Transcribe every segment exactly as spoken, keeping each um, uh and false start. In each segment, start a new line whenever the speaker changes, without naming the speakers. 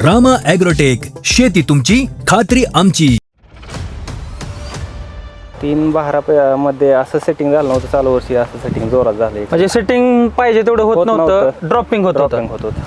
Rama agrotech, शेती तुमची खात्री आमची.
तीन बारा मध्ये असं सेटिंग झालं नव्हतं. चालू वर्षी असं सेटिंग जोरात झालं.
म्हणजे सेटिंग पाहिजे तेवढं होत नव्हतं, ड्रॉपिंग होत होतं.
होत होतं.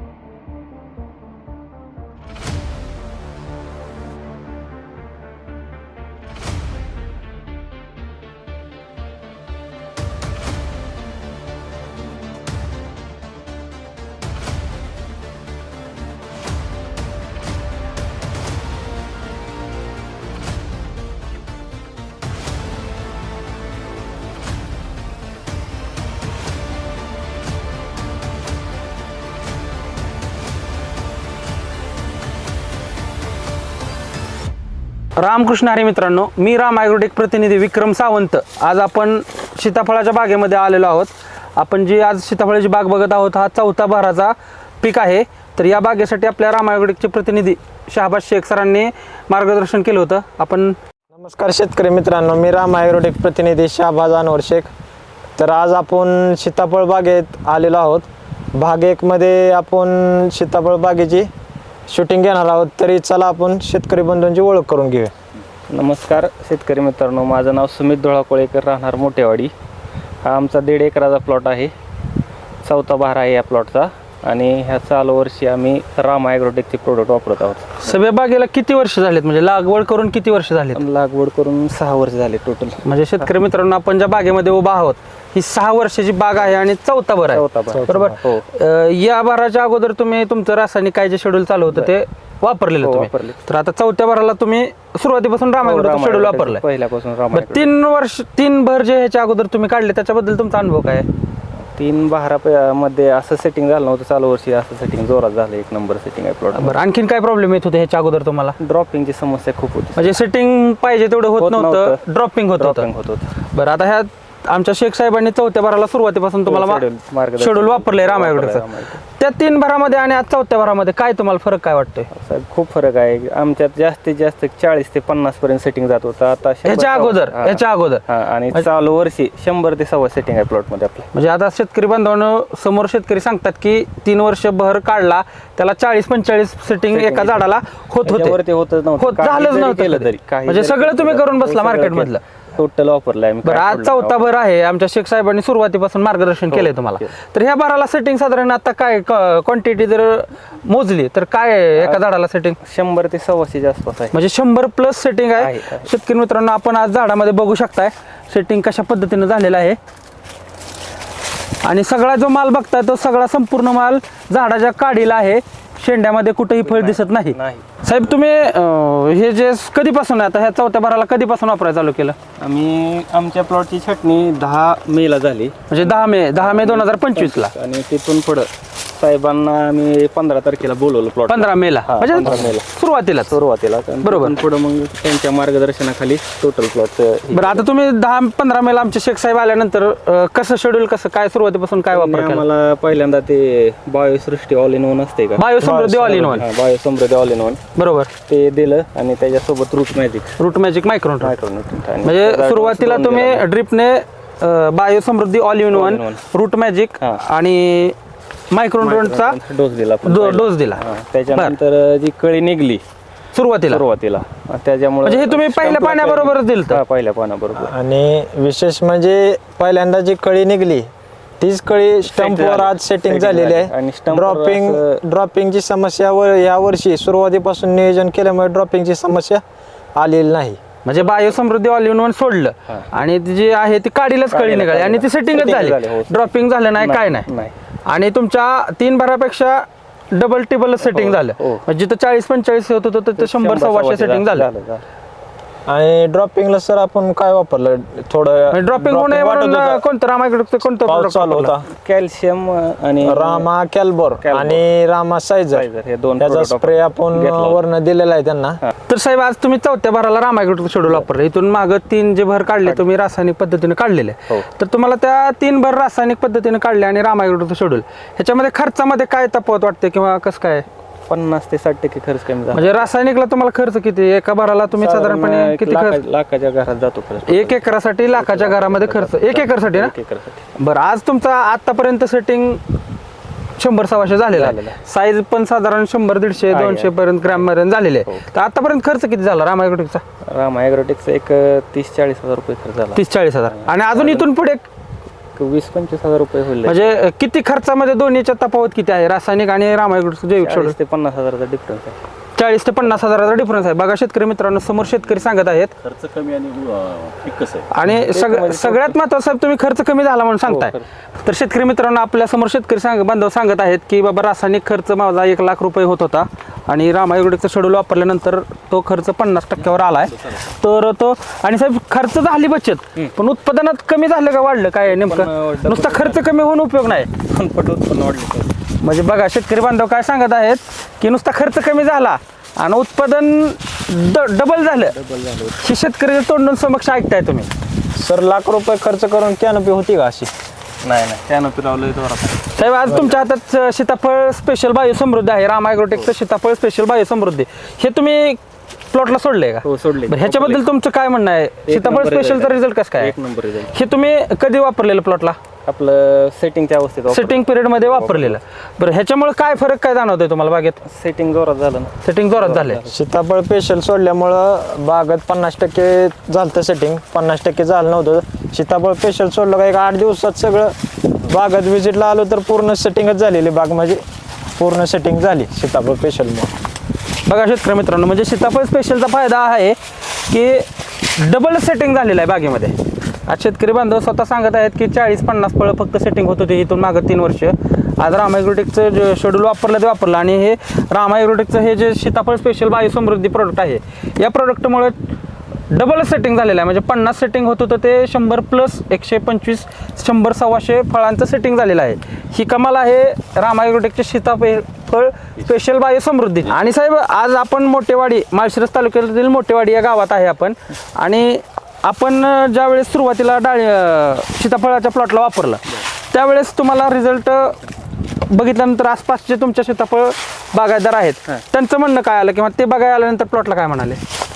रामकृष्ण हरी मित्रांनो, मी राम ॲग्रोटेक प्रतिनिधी विक्रम सावंत. आज आपण सीताफळाच्या बागेमध्ये आलेलो आहोत. आपण जी आज सीताफळाची बाग बघत आहोत, हा चौथा बहराचा पीक आहे. तर या बागेसाठी आपल्या राम ॲग्रोटेकचे प्रतिनिधी शहाबाज शेख सरांनी मार्गदर्शन केलं होतं. आपण
नमस्कार शेतकरी मित्रांनो, मी राम ॲग्रोटेक प्रतिनिधी शहाबाज अनवर शेख. तर आज आपण सीताफळ बागेत आलेलो आहोत. भाग एकमध्ये आपण सीताफळ बागेची शूटिंग घेणार आहोत. तरी चला आपण शेतकरी बंधूंची ओळख करून घेऊया.
नमस्कार शेतकरी मित्रांनो, माझं नाव सुमित धोळाकोळेकर, राहणार मोठेवाडी. हा आमचा दीड एकराचा प्लॉट आहे. चौथा बहार आहे या प्लॉटचा. आणि ह्या चालू वर्षी आम्ही राम ॲग्रोटेकचे प्रोडक्ट वापरत आहोत.
सगळ्या बागेला किती वर्ष झालेत, म्हणजे लागवड करून किती वर्ष झालेत?
लागवड करून सहा वर्ष झाले टोटल.
म्हणजे शेतकरी मित्रांनो, आपण ज्या बागेमध्ये उभा आहोत ही सहा वर्षाची बाग आहे आणि चौथा भर आहे.
चौथा बहार.
बरोबर.
हो.
अं, या भराच्या अगोदर तुम्ही तुमचं रासायनिक काय जे शेड्यूल चालू होतं ते वापरलेलं
हो,
तुम्ही.
वापरले.
तर आता चौथ्या भराला तुम्ही सुरुवातीपासून राम ॲग्रोटेकचं शेड्यूल वापरलंय.
पहिल्यापासून राम
बरं, तीन वर्ष तीन भर जे ह्याच्या अगोदर तुम्ही काढले त्याच्याबद्दल तुमचा अनुभव काय आहे?
तीन बारा मध्ये असं सेटिंग झालं नव्हतं. चालू वर्षी असं सेटिंग जोरात झालं. एक नंबर सेटिंग आहे प्लॉट.
बरं, आणखीन काय प्रॉब्लेम येत होते ह्याच्या अगोदर तुम्हाला?
ड्रॉपिंगची समस्या खूप होती.
म्हणजे सेटिंग पाहिजे तेवढं होत
होत
नव्हतं,
नव्हतं.
ड्रॉपिंग होत होतं.
ड्रॉपिंग होत होतं.
बरं, आता ह्या आमच्या शेख साहेबांनी चौथ्या भराला सुरुवातीपासून तुम्हाला
schedule, मार्गदर्शन.
शेड्यूल वापरले राम ॲग्रोटेकचं.
वापरलंय राम
त्या तीन भरामध्ये आणि आज चौथ्या भरामध्ये काय तुम्हाला फरक काय वाटतोय?
साहेब खूप फरक आहे. आमच्यात जास्तीत जास्त चाळीस ते पन्नास पर्यंत सेटिंग जात होतं. आता शंभर
ह्याच्या
सव्वा-
अगोदर
हा.
ह्याच्या अगोदर
हा, आणि चालू वर्षी शंभर ते सव्वा सेटिंग आहे प्लॉट मध्ये आपल्या.
म्हणजे आता शेतकरी बांधवांनो समोर शेतकरी सांगतात की तीन वर्ष भर काढला त्याला चाळीस पंचेचाळीस सेटिंग एका झाडाला होत होते.
त्याच्यावरती होतच नव्हतं.
होत
काही
झालंच
जरी
नव्हतं
केलं
कधी.
तरी, काही
म्हणजे
जरी
सगळं
केलं
तुम्ही
तरी,
करून
हो,
बसला
सगळं
मार्केट
केलं.
मधलं.
टोटल वापरलंय आम्ही.
बरं,
काय
आज
सोडलं
चौथा
नाही.
भर आहे. आमच्या शेख साहेबांनी सुरुवातीपासून मार्गदर्शन केलंय तुम्हाला.
केलं.
तर ह्या भराला सेटिंग साधारण आता काय क्वांटिटी जर मोजली तर काय आहे एका झाडाला सेटिंग?
शंभर ते सव्वाशेच्या आसपास आहे.
म्हणजे शंभर प्लस सेटिंग आहे.
आहे, आहे.
शेतकरी मित्रांनो, आपण आज झाडामध्ये बघू शकताय सेटिंग कशा पद्धतीनं झालेलं आहे. आणि सगळा जो माल बघताय तो सगळा संपूर्ण माल झाडाच्या काढीला आहे. शेंड्यामध्ये कुठेही फळ दिसत नाही.
नाही.
साहेब, तुम्ही अं, हे जे कधीपासून आहे आता ह्या चौथ्या भराला कधीपासून वापरायला चालू केलं?
आम्ही आमच्या प्लॉटची छाटणी दहा मे ला झाली.
म्हणजे दहा मे दहा मे दोन हजार पंचवीस ला.
आणि तिथून पुढं साहेबांना आम्ही पंधरा तारखेला बोलवलं प्लॉट.
पंधरा मे ला
हा, पंधरा मे
म्हणजे
ला.
सुरुवातीला.
सुरुवातीला.
बरोबर.
पुढे मग त्यांच्या मार्गदर्शनाखाली टोटल प्लॉट.
बरं, आता तुम्ही दहा पंधरा मे ला आमचे शेख साहेब आल्यानंतर अं, कसं शेड्यूल कसं काय सुरुवातीपासून काय वापर केला?
आम्हाला पहिल्यांदा ते बायोसृष्टी ऑल इन वन असते का,
Biosamruddhi all in one.
Biosamruddhi all in one
बरोबर.
ते दिलं. आणि त्याच्यासोबत root magic
root magic micron.
Micronutrient.
म्हणजे सुरुवातीला तुम्ही ड्रिपने Bio Samruddhi all in one, root magic
हा.
आणि मायक्रोन्यूट्रंटचा
डोस दिला.
डोस दिला.
हा, त्याच्यानंतर जी कळी निघली
सुरुवातीला.
सुरुवातीला, त्याच्यामुळे
म्हणजे हे तुम्ही पहिल्या पाण्याबरोबरच दिलं?
हा, पहिल्या पाण्याबरोबर.
आणि विशेष म्हणजे पहिल्यांदा जी कळी निघली तीच कळी स्टंपवर आज सेटिंग
Setting
झालेली
झाली. आणि
आहे.
stump वर
ड्रॉपिंग
असं-
ड्रॉपिंगची समस्या व या वर्षी सुरुवातीपासून नियोजन केल्यामुळे ड्रॉपिंगची समस्या आलेली नाही.
म्हणजे Bio Samruddhi all in one सोडलं
हा.
आणि ती जी आहे ती काढीलाच कळी
काढीला,
निघाली आणि ती
काढीला.
सेटिंगच
Setting
झाली.
झाली, हो.
ड्रॉपिंग झालं नाही, काय नाही.
नाही.
आणि तुमच्या तीन भरापेक्षा डबल टिबल सेटिंग झालं.
हो.
म्हणजे जिथं चाळीस पंचेचाळीस होत होतं तिथं शंभर सव्वाशे सेटिंग झालं.
आणि ड्रॉपिंगला सर आपण काय वापरलं? थोडं
ड्रॉपिंग होणे
वाटत
म्हणून
होतं.
कोणतं रामायकडे कोणतं
पाऊस
product
चालू
वापरलं?
होता.
कॅल्शियम आणि
रामा कॅल्बोर
कॅल्बोर.
आणि रामा सायझर
सायझर हे दोन
त्याचा
product
स्प्रे आपण
घेतला होता.
वरनं दिलेला आहे त्यांना.
तर साहेब, आज तुम्ही चौथ्या भराला रामायकडे शेड्यूल वापरले. इथून मागं तीन जे भर काढले तुम्ही रासायनिक पद्धतीने काढलेले.
हो.
तर तुम्हाला त्या तीन भर रासायनिक पद्धतीने काढले आणि रामायकडे शेड्यूल ह्याच्यामध्ये खर्चामध्ये काय तफावत वाटते किंवा कसं काय?
पन्नास ते साठ टक्के खर्च कमी झाला.
म्हणजे रासायनिकला तुम्हाला खर्च किती? एका भराला तुम्ही साधारणपणे
एक
किती
लाखा-
खर्च?
लाखाच्या घरात जातो खर्च.
एक एकरासाठी लाखाच्या घरामध्ये खर्च. एक एकरसाठी ना?
एक एकरसाठी.
बरं, आज तुमचा आतापर्यंत सेटिंग शंभर सव्वाशे झालेला
झालेला
आहे. साईज पण साधारण शंभर दीडशे
आहे,
दोनशे
आहे.
पर्यंत ग्रॅम पर्यंत झालेले
हो.
आहे. तर आतापर्यंत खर्च किती झाला राम ॲग्रोटेकचा?
राम ॲग्रोटेकचा एक तीस चाळीस हजार रुपये खर्च झाला.
तीस चाळीस हजार आणि अजून इथून पुढे
एक वीस पंचवीस हजार रुपये होईल.
म्हणजे किती खर्चामध्ये दोन्हीच्या तफावत किती आहे, रासायनिक आणि राम ॲग्रोटेकचं जैविक शेड्यूल?
चाळीस ते पन्नास हजाराचा डिफरन्स आहे.
चाळीस ते पन्नास हजाराचा डिफरन्स आहे. बघा शेतकरी मित्रांनो, समोर शेतकरी सांगत आहेत.
खर्च कमी आणि अं, पीक कसं आहे?
आणि सग सगळ्यात महत्त्वाचं साहेब, तुम्ही खर्च कमी झाला म्हणून सांगताय. तर शेतकरी मित्रांनो, आपल्या समोर शेतकरी सांग बांधव सांगत आहेत की बाबा रासायनिक खर्च माझा एक लाख रुपये होत होता आणि राम ॲग्रोटेकचं शेड्यूल वापरल्यानंतर तो खर्च पन्नास टक्क्यावर आलाय. तर तो आणि साहेब खर्च झाली बचत, पण उत्पादनात कमी झालं का वाढलं काय नेमकं? नुसता खर्च कमी होऊन उपयोग नाही.
पट उत्पन्न वाढले.
म्हणजे बघा शेतकरी बांधव काय सांगत आहेत की नुसता खर्च कमी झाला आणि उत्पादन ड डबल झालं. हे शेतकरी तोंडून समक्ष ऐकताय तुम्ही.
सर लाख रुपये खर्च करून कॅनोपी होती का अशी?
नाही नाही त्यानं पिरावलं जोरात.
साहेब आज तुमच्या हातात सीताफळ स्पेशल बायो समृद्धी आहे, राम ॲग्रोटेकचं सीताफळ स्पेशल बायो समृद्धी. हे तुम्ही प्लॉटला सोडले का?
हो सोडले.
बरं, ह्याच्याबद्दल तुमचं काय म्हणणं आहे? सीताफळ
नंबर
स्पेशलचा
result.
रिझल्ट कसं काय आहे?
एक नंबर रिझल्ट.
हे तुम्ही कधी वापरलेलं प्लॉटला?
आपलं सेटिंगच्या अवस्थेत वापर-
सेटिंग पिरियडमध्ये वापरलेलं. बरं, ह्याच्यामुळे काय फरक काय जाणवतोय तुम्हाला बागेत?
सेटिंग जोरात झालं ना.
सेटिंग जोरात झाले.
सीताफळ पेशल सोडल्यामुळं बागत पन्नास टक्के झालं सेटिंग, पन्नास टक्के झालं नव्हतं. सीताफळ पेशल सोडलं का एक आठ दिवसात सगळं बागत व्हिजिटला आलो तर पूर्ण सेटिंगच झालेली बाग, म्हणजे पूर्ण सेटिंग झाली सीताफळ पेशलमुळे.
बघा शेतकरी मित्रांनो, म्हणजे सीताफळ स्पेशलचा फायदा आहे की डबल सेटिंग झालेलं आहे बागेमध्ये. आज शेतकरी बांधव स्वतः सांगत आहेत की चाळीस पन्नास फळं फक्त सेटिंग होत होती इथून मागं तीन वर्ष. आज राम ॲग्रोटेकचं जे शेड्यूल वापरलं ते वापरलं आणि हे राम ॲग्रोटेकचं हे जे सीताफळ स्पेशल बायो समृद्धी प्रोडक्ट आहे, या प्रोडक्टमुळे डबल सेटिंग झालेलं आहे. म्हणजे पन्नास सेटिंग होत होतं ते शंभर प्लस एकशे पंचवीस शंभर सव्वाशे फळांचं सेटिंग झालेलं आहे. ही कमाल आहे राम ॲग्रोटेकचे सीताफळ स्पेशल बायो समृद्धी. आणि साहेब आज आपण मोठेवाडी, माळशिरस तालुक्यातील मोठेवाडी या गावात आहे आपण. आणि आपण ज्यावेळेस सुरुवातीला डाळी सीताफळाच्या प्लॉटला वापरलं त्यावेळेस तुम्हाला रिझल्ट बघितल्यानंतर आसपासचे तुमच्या सीताफळ बागायतदार आहेत त्यांचं म्हणणं काय आलं, किंवा ते बघायला आल्यानंतर प्लॉटला काय म्हणाले?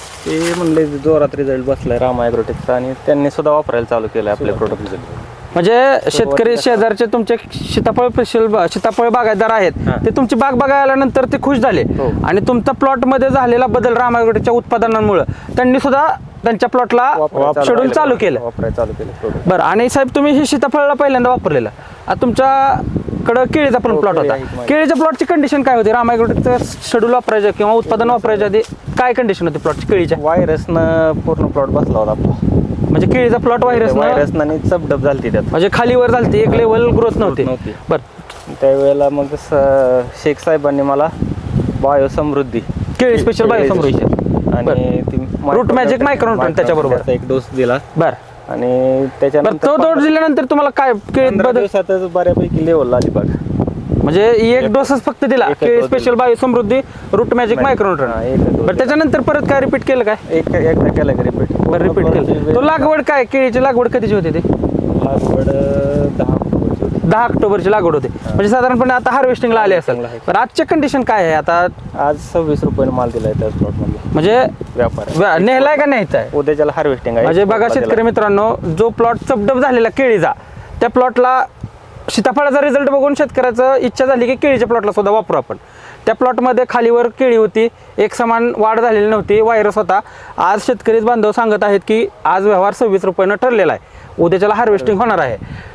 ते म्हणले जोरात रिझल्ट बसलाय राम ॲग्रोटेकचा आणि त्यांनी सुद्धा वापरायला चालू केलं आपले प्रोडक्ट.
म्हणजे शेतकरी शेजारचे तुमचे सीताफळ स्पेशल सीताफळ बागायतदार आहेत ते तुमची बाग बघायला आल्यानंतर ते खुश झाले.
हो.
आणि तुमचा प्लॉटमध्ये झालेला बदल राम ॲग्रोटेकच्या उत्पादनांमुळे त्यांनी सुद्धा त्यांच्या प्लॉटला शेड्यूल चालू केलं.
वापरायला चालू केलं प्रोडक्ट.
बरं, आणि साहेब तुम्ही हे सीताफळाला पहिल्यांदा वापरलेलं. आता तुमच्याकडं केळीचा पण
हो,
प्लॉट
केळी
होता.
आहे माझी.
केळीच्या प्लॉटची कंडिशन काय होती? राम ॲग्रोटेकचं शेड्यूल वापरायचं किंवा उत्पादन वापरायच्या आधी काय कंडिशन होती प्लॉटची केळीच्या?
व्हायरसनं पूर्ण प्लॉट बसला होता आपला.
म्हणजे केळीचा प्लॉट व्हायरस
व्हायरसनं आणि चपडप झाली त्यात.
म्हणजे खालीवर झालती, एक लेवल ग्रोथ नव्हती.
नव्हती.
बरं,
त्यावेळेला मग स- शेख साहेबांनी मला बायो समृद्धी
केळी स्पेशल बायो समृद्धी
आणि ती
रूट मॅजिक मायक्रोन्यूट्रन त्याच्याबरोबर.
त्याचा एक डोस दिला
बरं
आणि
बरं,
त्याच्यानंतर
तो डोस दिल्यानंतर तुम्हाला काय केळीत
पंधरा
बदल?
दिवसातच बऱ्यापैकी लेवल आली बघ.
म्हणजे एक डोसच फक्त दिला,
एकच
केळी
dose
special Bio Samruddhi root magic
हा,
मायक्रोन्यूट्रन.
एकच dose
बरं, त्याच्यानंतर परत काय रिपीट केलं काय?
एक एकदा केला का रिपीट?
बरं, रिपीट केलं. तो लागवड काय, केळीची लागवड कधीची होती ती?
लागवड दहा ऑक्टोबरची होती.
दहा ऑक्टोबरची लागवड होती. म्हणजे साधारणपणे आता हार्वेस्टिंगला आले असेल.
Harvesting ला आहे.
बरं, आजचे कंडिशन काय आहे आता?
आज सव्वीस रुपयाने माल दिलाय त्या प्लॉट मध्ये
म्हणजे
व्यापार
व्या- नेहलाय का न्यायचा आहे?
उद्याच्याला हार्वेस्टिंग आहे.
म्हणजे बघा शेतकरी मित्रांनो, जो प्लॉट चपडप झालेला केळीचा, त्या प्लॉटला सीताफळाचा रिझल्ट बघून शेतकऱ्याचं इच्छा झाली की केळीच्या प्लॉटला सुद्धा वापरू आपण. त्या प्लॉटमध्ये खालीवर केळी होती, एक समान वाढ झालेली नव्हती, व्हायरस होता. आज शेतकरी बांधव सांगत आहेत की आज व्यवहार सव्वीस रुपयानं ठरलेला आहे, उद्याच्याला हार्वेस्टिंग होणार आहे.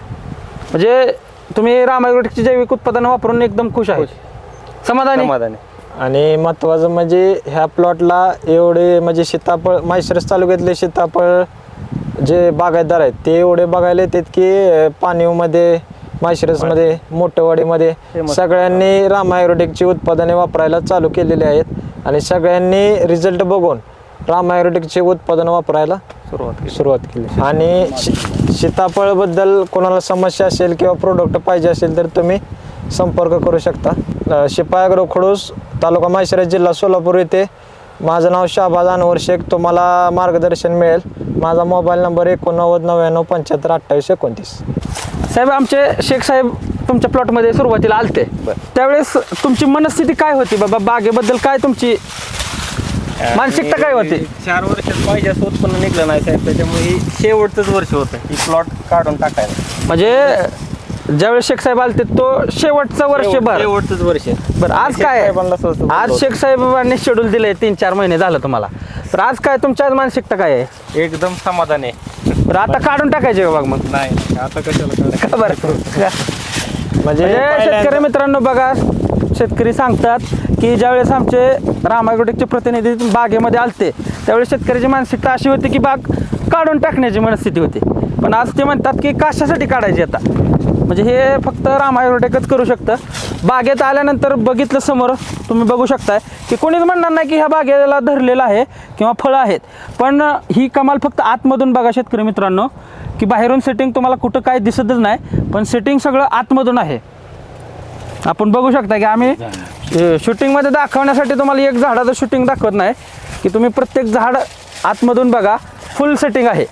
म्हणजे तुम्ही राम ॲग्रोटेकची जैविक उत्पादनं वापरून एकदम खुश आहे, समाधानी?
समाधानी.
आणि महत्त्वाचं म्हणजे ह्या प्लॉटला एवढे म्हणजे सीताफळ माळशिरस तालुक्यातले सीताफळ जे बागायतदार आहेत ते एवढे बघायला येतात की पाणीवमध्ये, माळशिरसमध्ये, मोठेवाडीमध्ये सगळ्यांनी राम ॲग्रोटेकची उत्पादने वापरायला चालू केलेली आहेत आणि सगळ्यांनी रिझल्ट बघून राम ॲग्रोटेकचे उत्पादन वापरायला
सुरुवात केली.
सुरुवात केली. आणि शी- सीताफळबद्दल कोणाला समस्या असेल किंवा प्रोडक्ट पाहिजे असेल तर तुम्ही संपर्क करू शकता. अ, शिपाई ॲग्रो खडूस, तालुका माळशिरस, जिल्हा सोलापूर येथे. माझं नाव शाहबाज अनवर शेख. तुम्हाला मार्गदर्शन मिळेल. माझा मोबाईल नंबर एकोणनव्वद नव्याण्णव पंच्याहत्तर अठ्ठावीस एकोणतीस.
साहेब, आमचे शेख साहेब तुमच्या प्लॉटमध्ये सुरुवातीला आलते, त्यावेळेस तुमची मनस्थिती काय होती बाबा बागेबद्दल? काय तुमची मानसिकता काय होती?
चार वर्षात पाहिजे असं उत्पन्न निघलं नाही साहेब, त्याच्यामुळे हे शेवटचंच वर्ष होतं की प्लॉट काढून टाकायला.
म्हणजे ज्यावेळेस शेख साहेब आलते तो शेवटचं वर्षभर
शेवटचंच वर्ष
बरं आज काय आहे?
साहेबांना सहज
आज शेख साहेबांनी शेड्यूल दिलंय तीन चार महिने झालं तुम्हाला तर आज काय तुमच्या आज मानसिकता काय आहे
एकदम समाधान आहे.
तर आता काढून टाकायचे बाग मग
नाही आता कशाला
का बरं
म्हणजे
म्हणजे शेतकरी
पहिल्यांदा-
मित्रांनो बघा शेतकरी सांगतात की ज्यावेळेस आमचे राम ॲग्रोटेकचे प्रतिनिधी बागेमध्ये आलते त्यावेळेस शेतकऱ्याची मानसिकता अशी होती की बाग काढून टाकण्याची मनस्थिती होती पण आज ते म्हणतात की कशासाठी काढायची आता म्हणजे हे फक्त राम ॲग्रोटेकच करू शकतं. बागेत आल्यानंतर बघितलं समोर तुम्ही बघू शकताय की कोणीच म्हणणार नाही की ह्या बागेला धरलेलं आहे किंवा फळं आहेत पण ही कमाल फक्त आतमधून बघा शेतकरी मित्रांनो की बाहेरून सेटिंग तुम्हाला कुठं काय दिसतच नाही पण सेटिंग सगळं आतमधून आहे. आपण बघू शकता की आम्ही शूटिंगमध्ये दाखवण्यासाठी तुम्हाला एक झाडाचं शूटिंग दाखवत नाही की तुम्ही प्रत्येक झाड आतमधून बघा फुल सेटिंग आहे.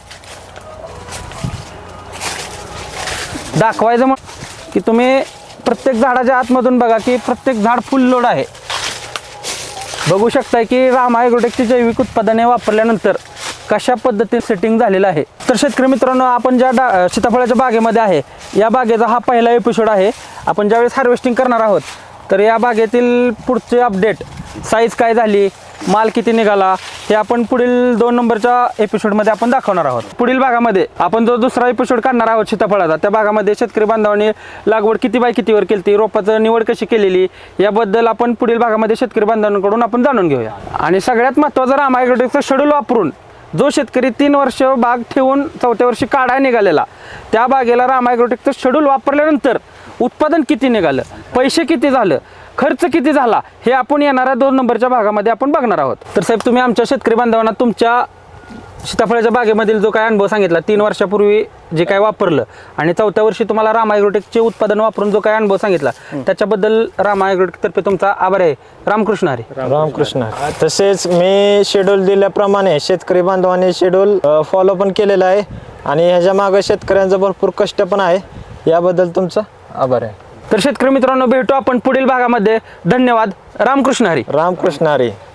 दाखवायचं मग की तुम्ही प्रत्येक झाडाच्या आतमधून बघा की प्रत्येक झाड फुल लोड आहे. बघू शकताय की राम ॲग्रोटेकची जैविक उत्पादने वापरल्यानंतर कशा पद्धतीने सेटिंग झालेलं आहे. तर शेतकरी मित्रांनो आपण ज्या डा सीताफळाच्या बागेमध्ये आहे या बागेचा हा पहिला एपिसोड आहे. आपण ज्यावेळेस हार्वेस्टिंग करणार आहोत तर या बागेतील पुढचे अपडेट साईज काय झाली माल किती निघाला हे आपण पुढील दोन नंबरच्या एपिसोडमध्ये आपण दाखवणार आहोत. पुढील भागामध्ये आपण जो दुसरा एपिसोड काढणार आहोत सीताफळाचा त्या भागामध्ये शेतकरी बांधवांनी लागवड किती बाय कितीवर केली रोपाचं निवड कशी केलेली याबद्दल आपण पुढील भागामध्ये शेतकरी बांधवांकडून आपण जाणून घेऊया. आणि सगळ्यात महत्त्वाचं राम ॲग्रोटेकचं शेड्यूल वापरून जो शेतकरी तीन वर्ष बाग ठेवून चौथ्या वर्षी काढाय निघालेला त्या बागेला राम ॲग्रोटेकचं शेड्यूल वापरल्यानंतर उत्पादन किती निघालं पैसे किती झालं खर्च किती झाला हे आपण येणाऱ्या दोन नंबरच्या भागामध्ये आपण बघणार आहोत. तर साहेब तुम्ही आमच्या शेतकरी बांधवांना तुमच्या सीताफळाच्या बागेमधील जो काय अनुभव सांगितला तीन वर्षापूर्वी जे काय वापरलं आणि चौथ्या वर्षी तुम्हाला राम ॲग्रोटेकचे उत्पादन वापरून जो काय अनुभव सांगितला त्याच्याबद्दल राम ॲग्रोटेकतर्फे तुमचा आभार आहे. रामकृष्ण हरी.
रामकृष्ण. तसेच मी शेड्यूल दिल्याप्रमाणे शेतकरी बांधवांनी शेड्यूल फॉलो पण केलेलं आहे आणि ह्याच्या मागे शेतकऱ्यांचं भरपूर कष्ट पण आहे याबद्दल तुमचा आभार आहे.
तर शेतकरी मित्रांनो भेटू आपण पुढील भागामध्ये. धन्यवाद. रामकृष्ण हरी.
रामकृष्ण हरी.